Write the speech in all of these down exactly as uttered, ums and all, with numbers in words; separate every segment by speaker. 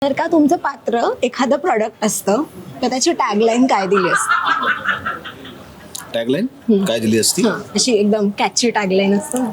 Speaker 1: जर का तुमचं पात्र एखादं प्रॉडक्ट असतं तर त्याची टॅगलाईन काय दिली असते?
Speaker 2: टॅगलाईन काय दिली असती?
Speaker 1: हां, अशी एकदम कॅची टॅगलाईन असतं ना.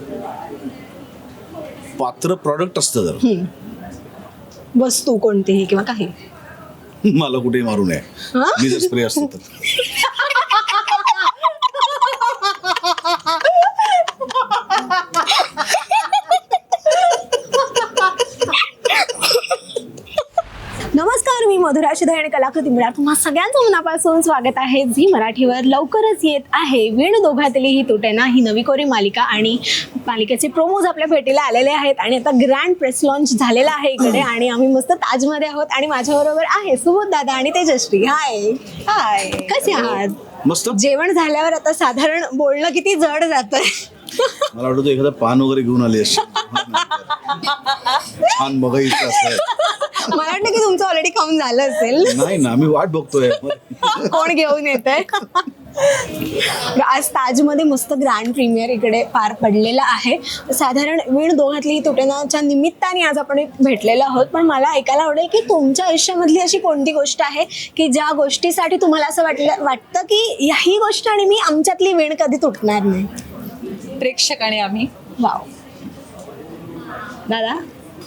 Speaker 2: पात्र प्रॉडक्ट असतं जर
Speaker 1: हम्म. वस्तू कोणतीही किंवा काही.
Speaker 2: मला कुठेही मारू नये,
Speaker 1: हां?
Speaker 2: मी जर स्प्रे असतो तर.
Speaker 1: नमस्कार, मी मधुरा शिधे आणि कलाकृती मिळा तुम्हा सगळ्यांचं मनापासून स्वागत आहे. झी मराठीवर लवकरच येत आहे वीण दोघातली ही तुटेना ही नवी कोरी मालिका आणि मालिकेचे प्रोमोज आपल्या भेटीला आलेले आहेत आणि आता ग्रँड प्रेस लॉन्च झालेला आहे इकडे आणि आम्ही मस्त ताजमध्ये आहोत आणि माझ्याबरोबर आहे सुबोध दादा आणि तेजश्री. हाय हाय, कसे आहात?
Speaker 2: मस्त.
Speaker 1: जेवण झाल्यावर आता साधारण बोलणं किती जड जातंय.
Speaker 2: मला वाटतं एखादा पान वगैरे घेऊन आली अशी छान बघायचं असं.
Speaker 1: मला वाटतं की तुमचं ऑलरेडी काम झालं असेल.
Speaker 2: नाही ना, आम्ही वाट बघतोय
Speaker 1: कोण घेऊन येत आहे. आज ताजमध्ये मस्त ग्रँड प्रीमियर इकडे पार पडलेला आहे. साधारण वीण दोघातली तुटेनाच्या निमित्ताने आज आपण भेटलेलो आहोत. पण मला ऐकायला आवडेल की तुमच्या आयुष्यामधली अशी कोणती गोष्ट आहे की ज्या गोष्टीसाठी तुम्हाला असं वाटलं वाटतं की ही गोष्ट आणि मी आमच्यातली वीण कधी तुटणार नाही.
Speaker 3: प्रेक्षक आणि आम्ही.
Speaker 1: वाव दादा.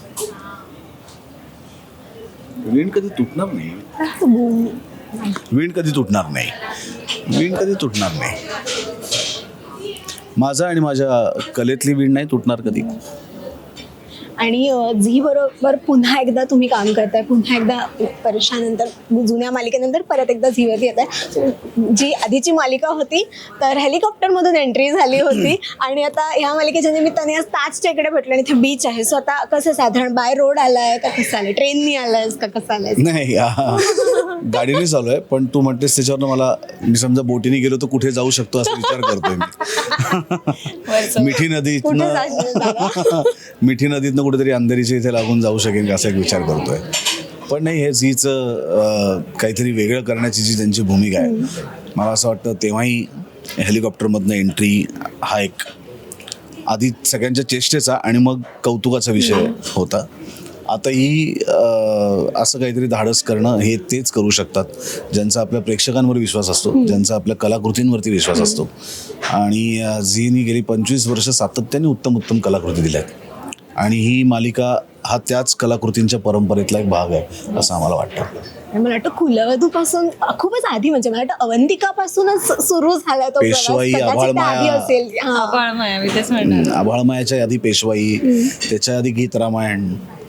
Speaker 2: वीण कधी तुटणार नाही. वीण कधी तुटणार नाही. वीण कधी तुटणार नाही. माझा आणि माझ्या कलेतली वीण नाही तुटणार कधी.
Speaker 1: आणि झी बरोबर पुन्हा एकदा तुम्ही काम करताय, पुन्हा एकदा वर्षानंतर जुन्या मालिकेनंतर परत एकदा झीवरती येत आहे. जी आधीची मालिका होती तर हेलिकॉप्टरमधून एंट्री झाली होती आणि आता ह्या मालिकेच्या निमित्ताने आज ताजच्या इकडे भेटलं आणि इथे बीच आहे. सो आता कसं साधारण बाय रोड आलाय का कसं आलंय, ट्रेननी आलायस का कसं आलायस?
Speaker 2: नाही, आ, गाडीने चालू आहे. पण तू म्हणतेस त्याच्यावर मला मी समजा बोटीने गेलो तर कुठे जाऊ शकतो असा विचार करतोय मी. मिठी नदीतनं मिठी नदीतनं कुठेतरी अंधेरीच्या इथे लागून जाऊ शकेन का असा एक विचार करतोय. पण नाही, हे झीचं काहीतरी वेगळं करण्याची जी त्यांची भूमिका आहे, मला असं वाटतं तेव्हाही हेलिकॉप्टरमधनं एंट्री हा एक आधी सगळ्यांच्या चेष्टेचा आणि मग कौतुकाचा विषय होता. आता ही असं काहीतरी धाडस करणं हे तेच करू शकतात ज्यांचा आपल्या प्रेक्षकांवर विश्वास असतो, ज्यांचा आपल्या कलाकृतींवरती विश्वास असतो. आणि झीनी गेली पंचवीस वर्ष सातत्याने उत्तम उत्तम कलाकृती दिल्या आहेत आणि ही मालिका हा त्याच कलाकृतींच्या परंपरेतला एक भाग आहे असं आम्हाला वाटतं.
Speaker 1: मला वाटतं कुलवधूपासून खूपच आधी म्हणजे मला वाटतं अवंतिकापासूनच सुरू झाला तो प्रवास.
Speaker 2: पेशवाई,
Speaker 1: कदाचित
Speaker 2: आभाळमाया.
Speaker 1: आधी असेल. हां.
Speaker 3: आभाळमाया, मी तेच म्हणणार.
Speaker 2: आभाळमायाच्या आधी पेशवाई, त्याच्या आधी गीत रामायण.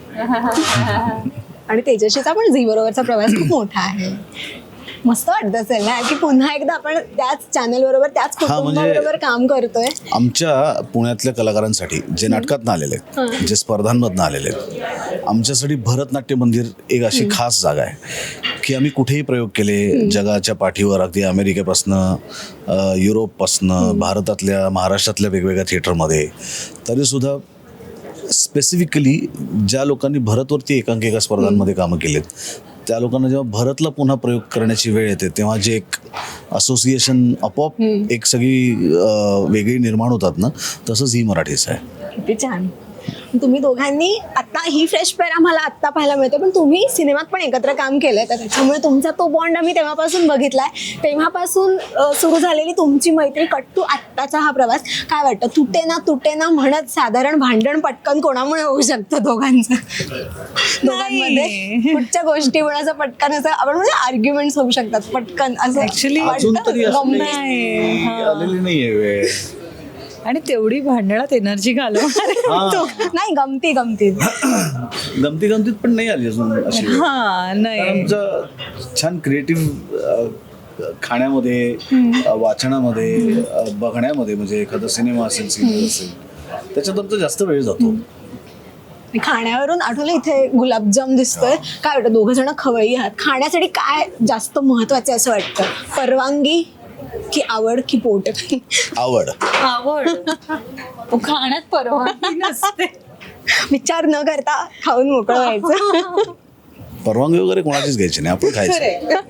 Speaker 1: आणि तेजस्वीचा पण झी बरोबरचा प्रवास खूप मोठा आहे. मस्त वाटत असेल ना की पुन्हा एकदा आपण त्याच चॅनल बरोबर त्याच कुटुंबाबरोबर काम करतोय.
Speaker 2: आमच्या पुण्यातल्या कलाकारांसाठी जे नाटकातनं आलेले आहेत, जे स्पर्धांमधनं आलेले आहेत, आमच्यासाठी भरतनाट्य मंदिर एक अशी खास जागा आहे की आम्ही कुठेही प्रयोग केले जगाच्या पाठीवर, अगदी अमेरिकेपासनं, युरोपपासनं, भारतातल्या, महाराष्ट्रातल्या वेगवेगळ्या थिएटरमध्ये, तरीसुद्धा स्पेसिफिकली ज्या लोकांनी भरतवरती एकांकिका स्पर्धांमध्ये कामं केलेत त्या लोकांना जेव्हा भरतला पुन्हा प्रयोग करण्याची वेळ येते तेव्हा जे एक असोसिएशन आपोआप एक सगळी वेगळी निर्माण होतात ना, तसंच ही मराठीच आहे.
Speaker 1: किती छान. तुम्ही दोघांनी आता ही फ्रेश पेअर आम्हाला आत्ता पाहायला मिळते, पण तुम्ही सिनेमात पण एकत्र काम केलंय तर त्याच्यामुळे तुमचा तो बॉन्ड आम्ही तेव्हापासून बघितलाय. तेव्हापासून सुरू झालेली तुमची मैत्री कट्टू आत्ताचा हा प्रवास. काय वाटतं, तुटे ना तुटे ना म्हणत साधारण भांडण पटकन कोणामुळे होऊ शकतं दोघांचं दोघांमध्ये? कुठच्या गोष्टीमुळे असं पटकन असं आपण म्हणजे आर्ग्युमेंट्स होऊ शकतात पटकन असं
Speaker 3: ऍक्च्युली
Speaker 2: अजून तरी असं
Speaker 1: गंमत.
Speaker 3: नाही.
Speaker 2: आलेली नाहीये वेळ.
Speaker 3: आणि तेवढी भांडणात एनर्जी घालवणार.
Speaker 1: नाही, गमती गमती
Speaker 2: गमती गमतीत पण नाही आली अजून अशी.
Speaker 3: हा नाही,
Speaker 2: आमचं छान क्रिएटिव्ह खाण्यामध्ये, वाचनामध्ये, बघण्यामध्ये, म्हणजे एखादा सिनेमा असेल, सिरियल असेल, त्याच्यात आमचा जास्त वेळ जातो.
Speaker 1: खाण्यावरून आठवलं इथे गुलाबजाम दिसतोय. काय वाटतं, दोघं जण खवय्ये आहात, खाण्यासाठी काय जास्त महत्वाचे असं वाटतं? परवानगी की आवड की पोट?
Speaker 2: आवड.
Speaker 3: आवड. खाण्यात परवानगी नसते.
Speaker 1: विचार न करता खाऊन मोकळं व्हायचं.
Speaker 2: परवानगी वगैरे कोणाचीच घ्यायची नाही, आपण खायचं.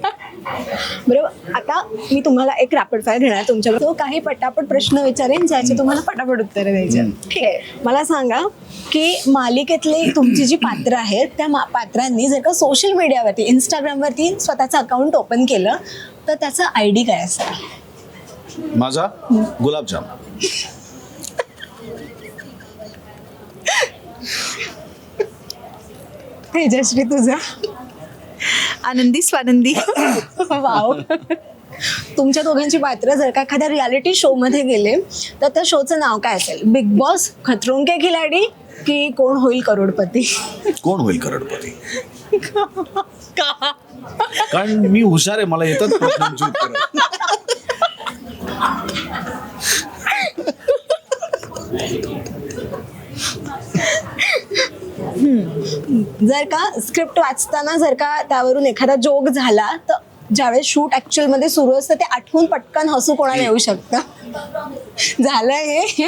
Speaker 1: बरोबर. आता मी तुम्हाला एक रॅपिड फायर घेणार तुमच्याकडे, तो काही पटापट प्रश्न विचारेन ज्याचे तुम्हाला पटापट उत्तरं द्यायची आहेत. ठीक आहे. मला सांगा की मालिकेतली तुमची जी पात्र आहेत त्या मा- पात्रांनी जर का सोशल मीडियावरती इंस्टाग्रामवरती स्वतःचं अकाउंट ओपन केलं तर त्याचा आय डी काय असेल?
Speaker 2: माझा गुलाबजाम.
Speaker 1: तेजश्री तुझा?
Speaker 3: आनंदी स्वानंदी.
Speaker 1: वाव. तुमच्या दोघांची पात्र जर का एखाद्या रियालिटी शो मध्ये गेले तर त्या शोचं नाव काय असेल? बिग बॉस, खतरों के खिलाडी की कोण होईल करोडपती?
Speaker 2: कोण होईल करोडपती? कारण मी हुशार आहे, मला येतात प्रश्नांची उत्तरं.
Speaker 1: जर का स्क्रिप्ट वाचताना जर का त्यावरून एखादा जोक झाला तर ज्यावेळेस शूट ऍक्च्युअल मध्ये सुरू असतं ते आठवून पटकन हसू कोणाला येऊ शकतं? झालंय हे.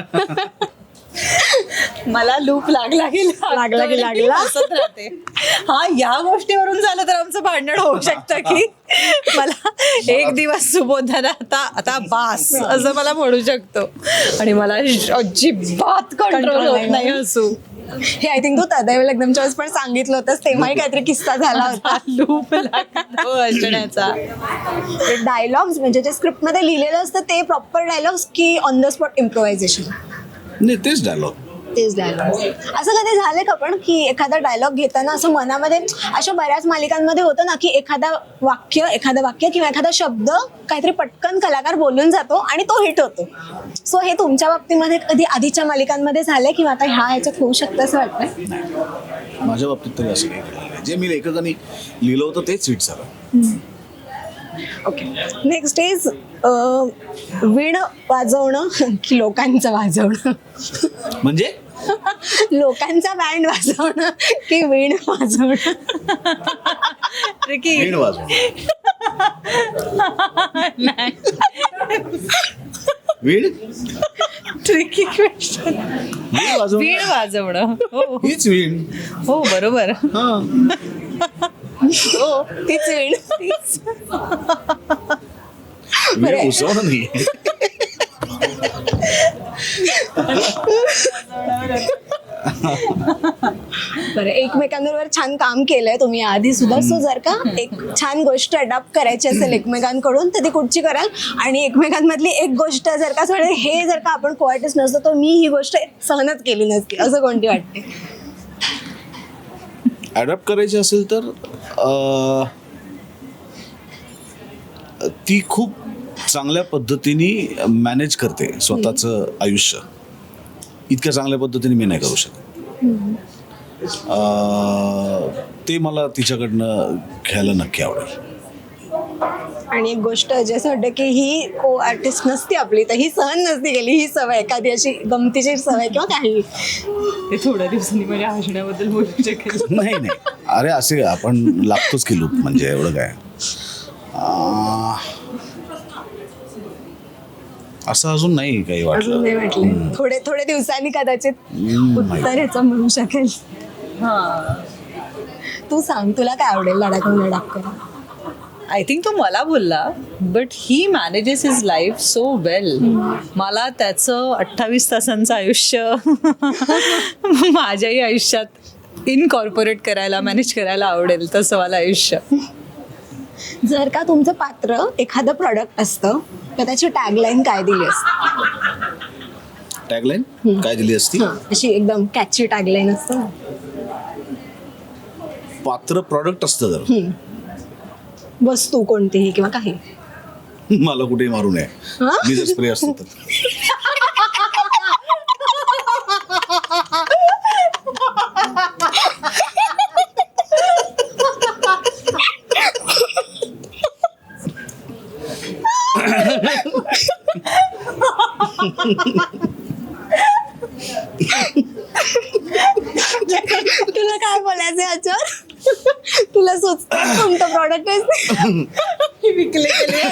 Speaker 3: मला लूप लागला की
Speaker 1: लागला की लागला.
Speaker 3: हसत राहते. हा, या गोष्टीवरून झालं तर आमचं भांडण होऊ शकतं की मला एक दिवस सुबोधाना आता आता बास असं मला म्हणू शकतो आणि मला अजिबात कंट्रोल होत नाही हसू.
Speaker 1: हे आय थिंक तू तदैव लग्नमच्या वेळेस पण सांगितलं होतंस, तेव्हाही काहीतरी किस्सा झाला होता.
Speaker 3: लूप लागतो हसण्याचा.
Speaker 1: डायलॉग्स म्हणजे जे स्क्रिप्ट मध्ये लिहिलेलं असतं ते प्रॉपर डायलॉग्स की ऑन द स्पॉट इम्प्रोव्हायझेशन?
Speaker 2: नाही, तेच डायलॉग.
Speaker 1: तेच डायलॉग. असं कधी झालंय का पण की एखादा डायलॉग घेताना असं मनामध्ये, अशा बऱ्याच मालिकांमध्ये होतं ना की एखादा वाक्य एखादं वाक्य किंवा एखादा शब्द काहीतरी पटकन कलाकार बोलून जातो आणि तो हिट होतो. सो हे तुमच्या बाबतीमध्ये कधी आधीच्या मालिकांमध्ये झालंय किंवा आता ह्या ह्याच्यात होऊ शकतं असं वाटतंय?
Speaker 2: माझ्या बाबतीत तरी असं काही घडलं नाही. जे मी लेखकांनी लिहिलं होतं तेच हिट झालं.
Speaker 1: ओके. नेक्स्ट इज वीण वाजवणं की लोकांचं वाजवणं?
Speaker 2: म्हणजे
Speaker 1: लोकांचा बँड वाजवणं की वीण वाजवणं?
Speaker 3: ट्रिकी.
Speaker 2: वीण वाजवणं. वीण
Speaker 3: ट्रिकी क्वेश्चन.
Speaker 2: वीण वाजवणं.
Speaker 3: वीण वाजवणं. हो
Speaker 2: हीच वीण.
Speaker 3: हो बरोबर.
Speaker 2: हा.
Speaker 1: हो, तीच वीण.
Speaker 2: वीण उसवणं नाही.
Speaker 1: बरं, एकमेकांबरोबर छान काम केलंय तुम्ही आधी सुद्धा. सो जर का एक छान गोष्ट अडॉप्ट करायची असेल एकमेकांकडून तर ती कुठची कराल? आणि एकमेकांमधली एक गोष्ट जर का थोडे हे जर का आपण कोआर्टिस्ट नसतो तर मी ही गोष्ट सहनच केली नसती असं कोणती वाटते?
Speaker 2: अडॉप्ट करायची असेल तर अं, ती खूप चांगल्या पद्धतीने मॅनेज करते स्वतःचं आयुष्य. इतक्या चांगल्या पद्धतीने मी नाही करू शकत. अं, ते मला तिच्याकडनं घ्यायला नक्की आवडेल.
Speaker 1: आणि एक गोष्ट जी असं वाटतं की ही को आर्टिस्ट नसती आपली तर ही सहन नसती गेली, ही सवय एखादी अशी गमतीची सवय किंवा काही.
Speaker 3: ते थोड्या दिवसांनी माझ्या हसण्याबद्दल बोलू शकेल.
Speaker 2: नाही नाही, अरे असे आपण लागतोच की लूप, म्हणजे एवढं काय. अं, असं अजून नाही काही
Speaker 1: अजून
Speaker 2: वाटलं.
Speaker 1: नाही वाटलं. थोडे थोडे दिवसांनी कदाचित उत्तर ह्याचं मिळू शकेल. तू सांग, तुला काय आवडेल लडाखून लडाख?
Speaker 3: आय थिंक तो मला बोलला, but he manages his life so well. मला त्याचं अठ्ठावीस तासांचं आयुष्य माझ्याही आयुष्यात इनकॉर्पोरेट करायला, मॅनेज करायला आवडेल तसं मला आयुष्य.
Speaker 1: जर का तुमचं पात्र एखादं प्रॉडक्ट असतं तर त्याची टॅगलाईन काय दिली असते?
Speaker 2: टॅगलाईन काय दिली असती?
Speaker 1: अशी एकदम कॅची टॅगलाईन असतं ना.
Speaker 2: पात्र प्रॉडक्ट असतं जर
Speaker 1: वस्तू कोणतीही किंवा काही.
Speaker 2: मला कुठेही मारू नये,
Speaker 1: हा?
Speaker 2: मी जर स्प्रे असतो तर.
Speaker 1: तुला काय बोलायचं याच्यावर? तुला सुचतं कोणतं प्रॉडक्ट आहे?
Speaker 3: विकले गेले.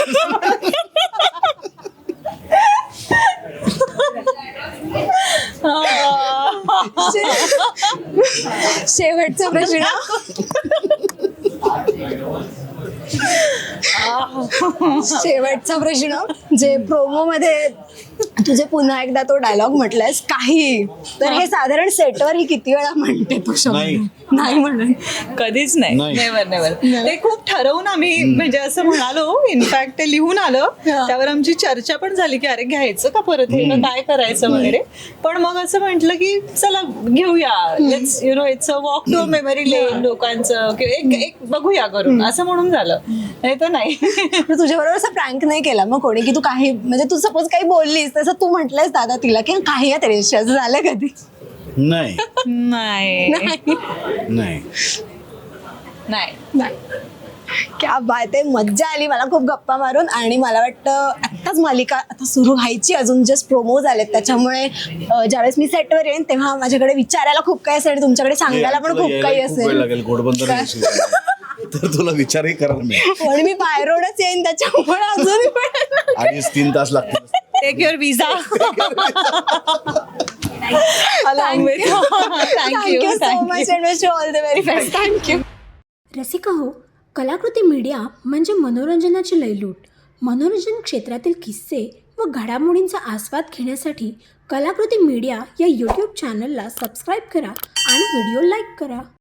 Speaker 1: शेवटचा प्रश्न. शेवटचा प्रश्न, जे प्रोमो मध्ये तुझे पुन्हा एकदा तो डायलॉग म्हटलायस काही, तर हे साधारण सेटवर ही किती वेळा म्हणते तू शब्द?
Speaker 2: नाही.
Speaker 1: नाही म्हणून
Speaker 3: कधीच नाही,
Speaker 2: नाही.
Speaker 3: Never never. ते खूप ठरवून आम्ही म्हणजे असं म्हणालो, इनफॅक्ट ते लिहून आलं,
Speaker 1: हा.
Speaker 3: त्यावर आमची चर्चा पण झाली की अरे घ्यायचं का परत हे, मग काय करायचं वगैरे. पण मग असं म्हटलं की चला घेऊया, let's you know it's a walk to memory lane लोकांचं, की एक एक बघूया करून, असं म्हणून झालं. नाही तर नाही.
Speaker 1: तर तुझ्याबरोबर असं प्रँक नाही केला मग कोणी, की तू काही म्हणजे तू सपोज काही बोललीस तसं तू म्हटलंयस दादा तिला की काही आहे तरी असं झालं कधी?
Speaker 2: नाही
Speaker 3: नाही
Speaker 1: नाही.
Speaker 2: नाही
Speaker 3: नाही.
Speaker 1: नाही. क्या बात आहे, मज्जा आली मला खूप गप्पा मारून. आणि मला वाटतं आत्ताच मालिका आता सुरू व्हायची, अजून जस्ट प्रोमो झालेत, त्याच्यामुळे अं, ज्यावेळेस मी सेटवर येईन तेव्हा माझ्याकडे विचारायला खूप काही असेल आणि तुमच्याकडे सांगायला पण
Speaker 2: तुला
Speaker 1: खूप
Speaker 2: यायला
Speaker 1: काही
Speaker 2: खूप वेळ
Speaker 1: असेल.
Speaker 2: लागेल घोडबंदर
Speaker 1: काय?
Speaker 2: येशील. तर तुला विचारही करायला मिळेल.
Speaker 1: पण मी बाय रोडच येईन त्याच्यामुळे अजून पण
Speaker 2: अडीच तीन तास लागतील.
Speaker 3: Take your visa. Along with.
Speaker 1: Thank you so much and wish you all the very best. Thank you.
Speaker 4: Rasika हो, कलाकृती मीडिया म्हणजे मनोरंजनाची लयलूट. मनोरंजन क्षेत्रातील किस्से व घडामोडींचा आस्वाद घेण्यासाठी कलाकृती मीडिया या यूट्यूब चॅनलला सबस्क्राईब करा आणि व्हिडिओ लाईक करा.